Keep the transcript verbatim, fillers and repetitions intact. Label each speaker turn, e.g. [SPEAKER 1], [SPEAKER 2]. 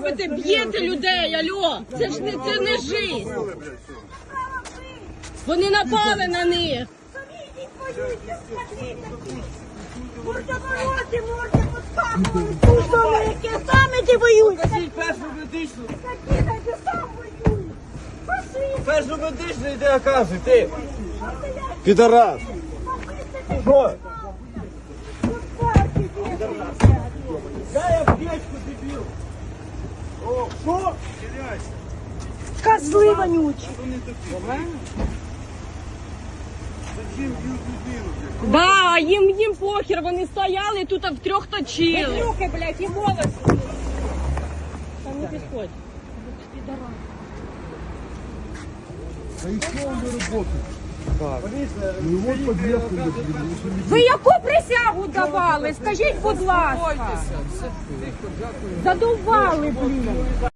[SPEAKER 1] робите? Б'єте людей, альо! Це ж не, це не жизнь. Вони напали на них.
[SPEAKER 2] Мордовороти, морди поставили. Службовики, саме ти воюють.
[SPEAKER 3] Скажіть першу медичну.
[SPEAKER 2] Такі, такі сам воюють. Пошли.
[SPEAKER 3] Першу медичну йди оказуй, ти.
[SPEAKER 4] Підарас!
[SPEAKER 3] Що?
[SPEAKER 2] Пускайте, дівчинка.
[SPEAKER 3] Дай аптечку, дебіл. О, що?
[SPEAKER 2] Козли вонючі.
[SPEAKER 1] Да, їм, їм похер, вони стояли і тут втрьох точили.
[SPEAKER 2] Руки, блядь, і волоси.
[SPEAKER 1] Там не підходь.
[SPEAKER 4] А і що ви робите? Ну от подвеску.
[SPEAKER 2] Ви яку присягу давали? Скажіть, будь ласка. Задовбали, блін.